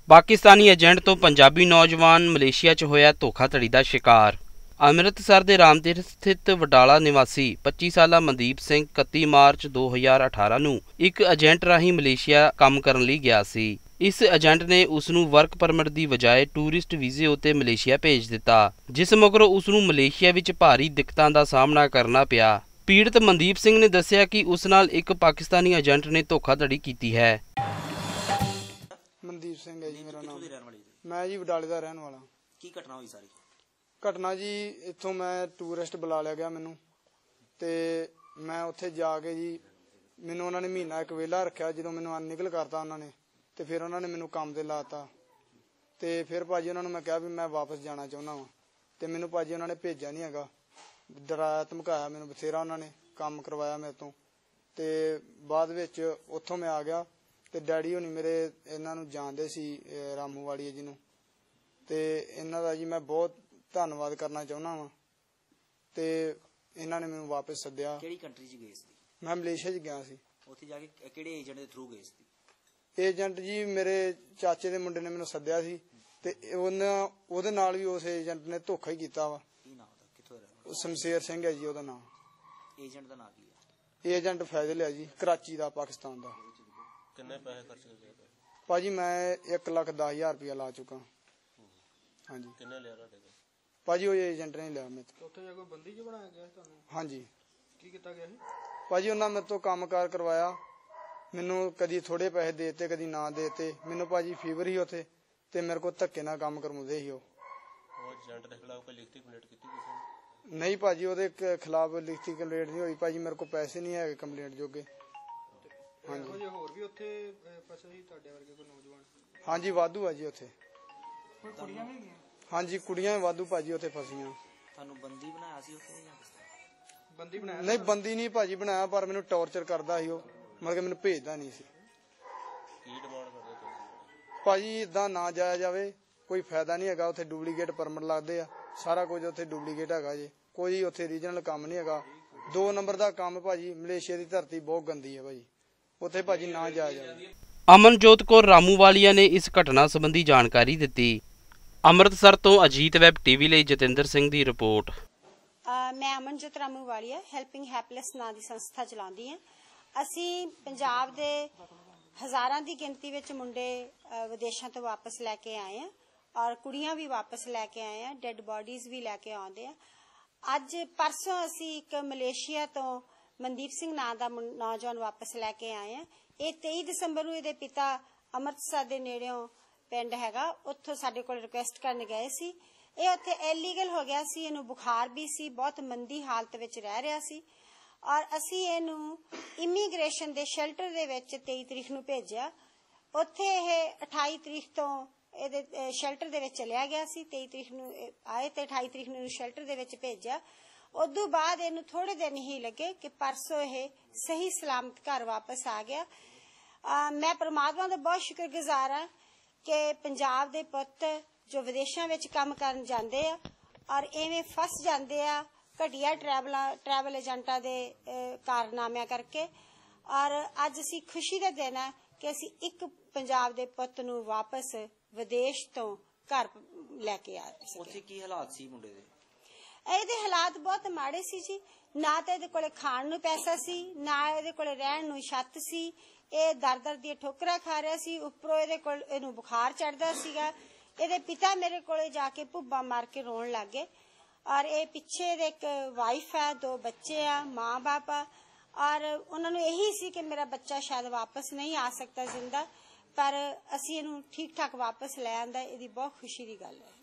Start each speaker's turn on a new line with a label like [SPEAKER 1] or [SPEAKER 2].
[SPEAKER 1] Pakistani agent तो पंजाबी नौजवान Malaysia च होया धोखाधड़ी का शिकार। अमृतसर के रामतीर्थ स्थित वडाला निवासी 25 साला मनदीप सिंह 31 मार्च 2018 ਨੂੰ एक एजेंट राही मलेशिया काम करन लई गया सी। इस एजेंट ने उसनू वर्क परमिट की बजाय टूरिस्ट वीजे उत्ते मलेशिया भेज दिता, जिस मगरों उसनू मलेशिया विच भारी दिक्कतां दा सामना करना पिया। पीड़ित मनदीप सिंह ने दस्सिया कि उस नाल एक पाकिस्तानी एजेंट ने धोखाधड़ी की है।
[SPEAKER 2] मनदीप सिंह है जी मेरा नाम। मैं जी वडाले का रहने वाला।
[SPEAKER 3] की घटना हुई सारी?
[SPEAKER 2] घटना जी इत्थों मैं टूरिस्ट बुला लिया गया मैनू ते मैं उत्थे जाके जी मैनू उन्होंने महीना एक वेला रखा। जो मैनू अननिकल करता उन्होंने तो फिर उन्होंने मैनू काम ते लाता तो फिर भाजी उन्होंने मैं कहा भी मैं वापस जाना चाहना वा तो मैनू भाजी उन्होंने भेजा नहीं है, डराया धमकाया मैनू बथेरा। उन्होंने काम करवाया मेरे तो ते बाद विच उत्थों मैं आ गया तो डैडी होनी मेरे इन्हों जानते सी रामू वाली जी नूं ते इन्हां दा जी मैं बहुत धन्नवाद करना चाहुंदा वा ते इन्हां ने मैनू वापस सद्दिया।
[SPEAKER 3] किहड़ी कंट्री च गए सी?
[SPEAKER 2] मैं मलेशिया च गया सी।
[SPEAKER 3] उत्थे जाके किहड़े एजेंट दे थ्रू गए सी?
[SPEAKER 2] एजेंट जी मेरे चाचे दे मुंडे ने मैनू सद्दिया सी ते ओहदे नाल भी उस एजेंट ने धोखा ही कीता वा।
[SPEAKER 3] की नाम दा? कित्थों दा रहने वाला?
[SPEAKER 2] शमशेर सिंह है जी ओहदा नाम।
[SPEAKER 3] एजेंट दा नाम की है?
[SPEAKER 2] एजेंट फैजल है जी, कराची दा, पाकिस्तान दा।
[SPEAKER 3] किन्ने पैसे खर्च कर गए
[SPEAKER 2] भाजी मैं 1,10,000 रुपया ला चुका। हाँ जी।
[SPEAKER 3] किन्ने लिया तुहाडे कोल?
[SPEAKER 2] भाजी वो एजेंट ने लिया मेरे तो।
[SPEAKER 4] ਉੱਥੇ ਜਾ ਕੋਈ ਬੰਦੀ ਚ ਬਣਾਇਆ ਗਿਆ ਤੁਹਾਨੂੰ?
[SPEAKER 2] हाँ जी।
[SPEAKER 4] ਕੀ ਕੀਤਾ ਗਿਆ ਸੀ?
[SPEAKER 2] भाजी उन्होंने मेरे तो काम कार करवाया, मैनू कदी थोड़े पैसे देते कदी ना देते। मैनू भाजी फीवर ही उत्थे ते मेरे को धक्के नाल काम करवाउंदे ही।
[SPEAKER 3] एजेंट दे खिलाफ कोई लिखती कंप्लेंट कीती किसी ने?
[SPEAKER 2] नहीं भाजी ओहदे खिलाफ लिखती कंप्लेंट नहीं हुई भाजी, मेरे को पैसे नहीं है कंप्लेंट जोगे। हाँ जी।
[SPEAKER 4] ਜੇ ਹੋਰ ਵੀ ਉੱਥੇ ਫਸੇ ਸੀ ਤੁਹਾਡੇ ਵਰਗੇ ਕੋਈ ਨੌਜਵਾਨ?
[SPEAKER 2] हाँ जी वाधू है जी उत्थे।
[SPEAKER 4] ਕੋਈ ਕੁੜੀਆਂ ਵੀ ਗਈਆਂ?
[SPEAKER 2] हाँ जी कुड़ियां भी वाधू भाजी उत्थे फसियां।
[SPEAKER 3] ਤੁਹਾਨੂੰ ਬੰਦੀ ਬਣਾਇਆ ਸੀ ਉੱਥੇ ਜਾਂ ਕਿਸ ਤਰ੍ਹਾਂ?
[SPEAKER 4] ਬੰਦੀ ਬਣਾਇਆ?
[SPEAKER 2] नहीं बंदी नहीं भाजी बनाया, पर मैनू टॉर्चर करता ही मतलब कि मैनू भेजदा नहीं सी।
[SPEAKER 3] ਕੀ ਡਿਮਾਂਡ ਕਰਦੇ ਤੁਸੀਂ?
[SPEAKER 2] भाजी इदां ना जाया जावे, कोई फायदा नहीं हैगा। उत्थे डुप्लीकेट परमिट लगदे आ, सारा कुछ उत्थे डुप्लीकेट हैगा जी, कोई उत्थे रीजनल काम नहीं हैगा। 2 नंबर दा काम भाजी। मलेशिया की धरती बहुत गंदी है भाजी, उत्थे भाजी ना जाया जावे।
[SPEAKER 1] अमनजोत कौर रामूवालिया ने इस घटना संबंधी जानकारी दी। अमृतसर तो अजीत वैब टीवी ਲਈ ਜਤਿੰਦਰ ਸਿੰਘ ਦੀ ਰਿਪੋर्ट।
[SPEAKER 5] मैं अमनजोत रामूवालिया हेल्पिंग हैप्पीनेस ਨਾਂ ਦੀ ਸੰਸਥਾ ਚਲਾਉਂਦੀ ਹਾਂ। ਅਸੀਂ ਪੰਜਾਬ ਦੇ ਹਜ਼ਾਰਾਂ ਦੀ ਗਿਣਤੀ ਵਿੱਚ ਮੁੰਡੇ ਵਿਦੇਸ਼ਾਂ ਤੋਂ ਵਾਪਸ ਲੈ ਕੇ ਆਏ ਹਾਂ ਔਰ ਕੁੜੀਆਂ ਵੀ ਵਾਪਸ ਲੈ ਕੇ ਆਏ ਹਾਂ, ਡੈੱਡ ਬਾਡੀਜ਼ ਵੀ ਲੈ ਕੇ ਆਉਂਦੇ ਆ। ਅੱਜ ਪਰਸੋਂ ਅਸੀਂ ਇੱਕ ਮਲੇਸ਼ੀਆ ਤੋਂ मनदीप सिंह ਨਾਂ ਦਾ ਨੌਜਵਾਨ ਵਾਪਸ ਲੈ ਕੇ ਆਏ ਆ। ਇਹ 23 ਦਸੰਬਰ ਨੂੰ ਇਹਦੇ ਪਿਤਾ ਅੰਮ੍ਰਿਤਸਰ ਦੇ ਨੇੜਿਓਂ ਪਿੰਡ ਹੈਗਾ ਉੱਥੋਂ ਸਾਡੇ ਕੋਲ ਰਿਕੁਐਸਟ ਕਰਨ ਗਏ ਸੀ। ਇਹ ਉੱਥੇ ਇਲੀਗਲ ਹੋ ਗਿਆ ਸੀ, ਇਹਨੂੰ ਬੁਖਾਰ ਵੀ ਸੀ, ਬਹੁਤ ਮੰਦੀ ਹਾਲਤ ਵਿੱਚ ਰਹਿ ਰਿਹਾ ਸੀ ਔਰ ਅਸੀਂ ਇਹਨੂੰ ਇਮੀਗ੍ਰੇਸ਼ਨ ਦੇ ਸ਼ੈਲਟਰ ਦੇ ਵਿੱਚ 23 ਤਰੀਕ ਨੂੰ ਭੇਜਿਆ। ਉੱਥੇ ਇਹ 28 ਤਰੀਕ ਤੋਂ ਇਹਦੇ ਸ਼ੈਲਟਰ ਦੇ ਵਿੱਚ ਚਲਿਆ ਗਿਆ ਸੀ। 23 ਤਰੀਕ ਨੂੰ ਆਏ ਤੇ 28 ਤਰੀਕ ਨੂੰ ਸ਼ੈਲਟਰ ਦੇ ਵਿੱਚ ਭੇਜਿਆ। उदू बाद इनू थोड़े दिन ही लगे कि परसों यह सही सलामत घर वापस आ गया। मैं परमात्मा का बहुत शुक्रगुजार हाँ कि पंजाब दे पुत्त जो विदेशों में काम करन जाते हैं और इवें फस जाते हैं घटिया ट्रैवल एजेंटा दे कारनामिਆਂ करके। और अज असी खुशी का दिन है कि असी एक पंजाब दे पुत्त नू वापस विदेश तो घर लैके आ सके।
[SPEAKER 3] ਉੱਥੇ ਕੀ ਹਾਲਾਤ ਸੀ ਮੁੰਡੇ ਦੇ?
[SPEAKER 5] ਇਹਦੇ ਹਾਲਾਤ ਬਹੁਤ ਮਾੜੇ ਸੀ ਜੀ। ਨਾ ਤਾਂ ਇਹਦੇ ਕੋਲੇ ਖਾਣ ਨੂੰ ਪੈਸਾ ਸੀ, ਨਾ ਇਹਦੇ ਕੋਲੇ ਰਹਿਣ ਨੂੰ ਛੱਤ ਸੀ। ਇਹ ਦਰ ਦੀਆਂ ਠੋਕਰਾਂ ਖਾ ਰਿਹਾ ਸੀ, ਉੱਪਰੋਂ ਇਹਦੇ ਕੋਲ ਇਹਨੂੰ ਬੁਖਾਰ ਚੜਦਾ ਸੀਗਾ। ਇਹਦੇ ਪਿਤਾ ਮੇਰੇ ਕੋਲੇ ਜਾ ਕੇ ਭੁੱਬਾ ਮਾਰ ਕੇ ਰੋਣ ਲੱਗ ਗਏ ਔਰ ਇਹ ਪਿੱਛੇ ਇਹਦੇ ਇੱਕ ਵਾਈਫ ਹੈ, 2 ਬੱਚੇ ਆ, ਮਾਂ ਬਾਪ ਆ ਔਰ ਉਹਨਾਂ ਨੂੰ ਇਹੀ ਸੀ ਕਿ ਮੇਰਾ ਬੱਚਾ ਸ਼ਾਇਦ ਵਾਪਸ ਨਹੀਂ ਆ ਸਕਦਾ ਜ਼ਿੰਦਾ, ਪਰ ਅਸੀਂ ਇਹਨੂੰ ਠੀਕ ਠਾਕ ਵਾਪਸ ਲੈ ਆਂਦਾ। ਇਹਦੀ ਬਹੁਤ ਖੁਸ਼ੀ ਦੀ ਗੱਲ ਹੈ।